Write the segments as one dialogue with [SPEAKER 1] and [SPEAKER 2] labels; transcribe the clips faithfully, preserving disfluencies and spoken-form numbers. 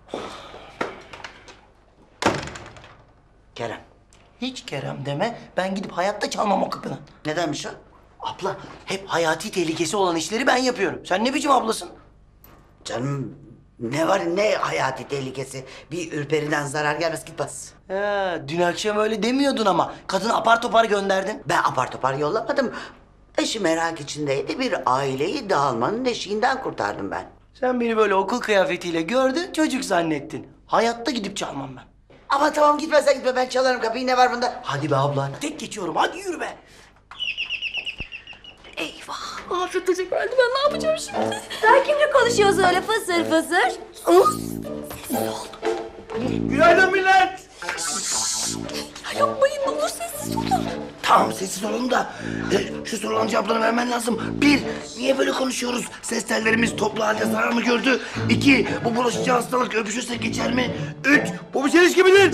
[SPEAKER 1] Kerem.
[SPEAKER 2] Hiç Kerem deme. Ben gidip hayatta çalmam o kapını.
[SPEAKER 1] Nedenmiş o?
[SPEAKER 2] Abla hep hayati tehlikesi olan işleri ben yapıyorum. Sen ne biçim ablasın?
[SPEAKER 1] Canım ne var ne hayati tehlikesi. Bir ürperiden zarar gelmez git bas.
[SPEAKER 2] Ha, dün akşam öyle demiyordun ama. Kadını apar topar gönderdin.
[SPEAKER 1] Ben apar topar yollamadım. Eşi merak içindeydi. Bir aileyi dağılmanın eşiğinden kurtardım ben.
[SPEAKER 2] Sen beni böyle okul kıyafetiyle gördün, çocuk zannettin. Hayatta gidip çalmam ben.
[SPEAKER 1] Ama tamam gitmezsen gitme ben çalarım kapıyı ne var bunda?
[SPEAKER 2] Hadi be abla, tek geçiyorum. Hadi yürü be.
[SPEAKER 3] Eyvah. Afet Hoca geldi. Ben ne yapacağım şimdi? Sen kimle konuşuyorsun öyle fısır fısır?
[SPEAKER 2] Günaydın millet.
[SPEAKER 3] Ya yapmayın ne olur sessiz olun.
[SPEAKER 2] Tamam sessiz olun da e, şu soruların cevaplarını vermen lazım. Bir, niye böyle konuşuyoruz? Ses tellerimiz toplu halde zarar mı gördü? İki, bu bulaşıcı hastalık öpüşürsek geçer mi? Üç, bu bir çelişki midir?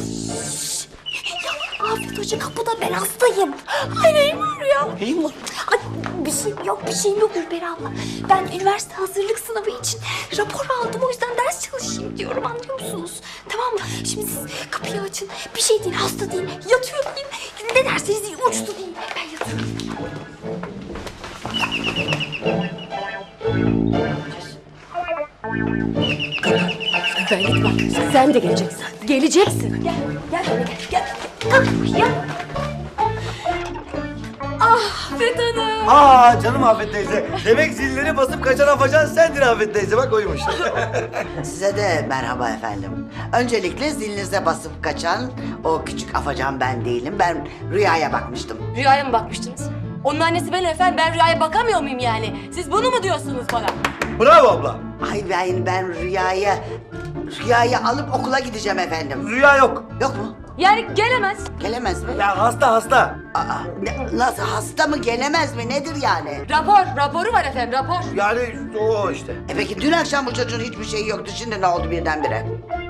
[SPEAKER 3] Afet Hoca kapıda ben hastayım. Ay neyim var ya?
[SPEAKER 2] Neyim var?
[SPEAKER 3] Ay bir şeyim yok bir şeyim yok Ürperi abla. Ben üniversite hazırlık sınavı için rapor aldım o yüzden ders çalışayım diyorum anlıyor musunuz? Tamam mı? Şimdi siz kapıyı açın. Bir şey değil hasta değil. Yatıyor deyin. Ne derseniz deyin uçtu deyin. Ben yatıyorum. Ben git bak. Sen de geleceksin. Geleceksin. Gel. Gel böyle gel. Gel. Kalk ya. Ah Afet Hanım.
[SPEAKER 4] Aa canım Afet teyze. Demek zilleri basıp kaçan afacan sendin Afet teyze. Bak oymuş.
[SPEAKER 1] Size de merhaba efendim. Öncelikle zilinize basıp kaçan o küçük afacan ben değilim. Ben Rüya'ya bakmıştım.
[SPEAKER 5] Rüyaya mı bakmıştınız? Onun annesi benim efendim. Ben Rüya'ya bakamıyor muyum yani? Siz bunu mu diyorsunuz bana?
[SPEAKER 4] Bravo abla.
[SPEAKER 1] Ay ben, ben Rüya'ya... Rüya'yı alıp okula gideceğim efendim.
[SPEAKER 4] Rüya yok.
[SPEAKER 1] Yok mu?
[SPEAKER 5] Yani gelemez.
[SPEAKER 1] Gelemez mi?
[SPEAKER 4] Ya hasta hasta.
[SPEAKER 1] Aa, ne- nasıl hasta mı gelemez mi nedir yani?
[SPEAKER 5] Rapor, raporu var efendim, rapor.
[SPEAKER 4] Yani o işte.
[SPEAKER 1] E peki dün akşam bu çocuğun hiçbir şeyi yoktu şimdi ne oldu birdenbire?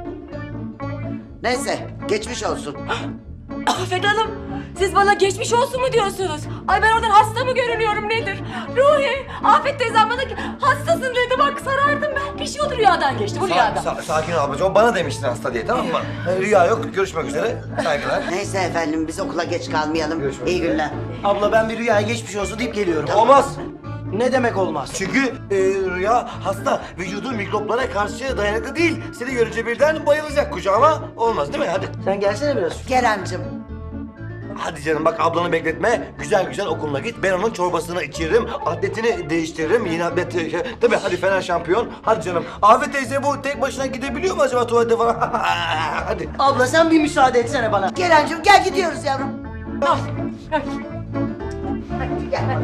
[SPEAKER 1] Neyse geçmiş olsun.
[SPEAKER 5] Afet Hanım, siz bana geçmiş olsun mu diyorsunuz? Ay ben oradan hasta mı görünüyorum nedir? Ruhi, Afet teyzem bana ki hastasın dedi bak sarardım ben. Bir şey oldu rüyadan geçti bu
[SPEAKER 4] Sa-
[SPEAKER 5] rüyadan.
[SPEAKER 4] sa- sakin ol ablacığım. O bana demiştin hasta diye tamam mı? Ee, Rüya yok. Görüşmek üzere. Saygılar.
[SPEAKER 1] Neyse efendim biz okula geç kalmayalım.
[SPEAKER 4] Görüşmek
[SPEAKER 1] İyi
[SPEAKER 4] üzere.
[SPEAKER 1] günler.
[SPEAKER 2] Abla ben bir rüyaya geçmiş olsun deyip geliyorum.
[SPEAKER 4] Olmaz.
[SPEAKER 2] Ne demek olmaz?
[SPEAKER 4] Çünkü e, Rüya hasta. Vücudu mikroplara karşı dayanıklı değil. Seni görünce birden bayılacak kucağıma. Olmaz değil mi? Hadi.
[SPEAKER 2] Sen gelsene biraz.
[SPEAKER 1] Keremcim
[SPEAKER 4] Hadi canım bak ablanı bekletme. Güzel güzel okuluna git. Ben onun çorbasını içiririm. Atletini değiştiririm. Yine atlet... Şey, tabii hadi Fener şampiyon. Hadi canım. Afet teyze bu tek başına gidebiliyor mu acaba tuvalete falan? Hadi.
[SPEAKER 2] Abla sen bir müsaade etsene bana.
[SPEAKER 1] Keremcim gel gidiyoruz yavrum.
[SPEAKER 5] Ah, ah.
[SPEAKER 1] Hadi gel.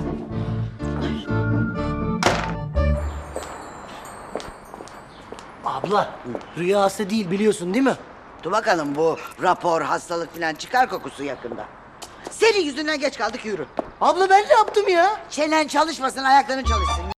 [SPEAKER 2] Abla rüya hasta değil biliyorsun değil mi?
[SPEAKER 1] Dur bakalım bu rapor hastalık falan çıkar kokusu yakında. Senin yüzünden geç kaldık yürü.
[SPEAKER 2] Abla ben ne yaptım ya?
[SPEAKER 1] Çenen çalışmasın ayakların çalışsın.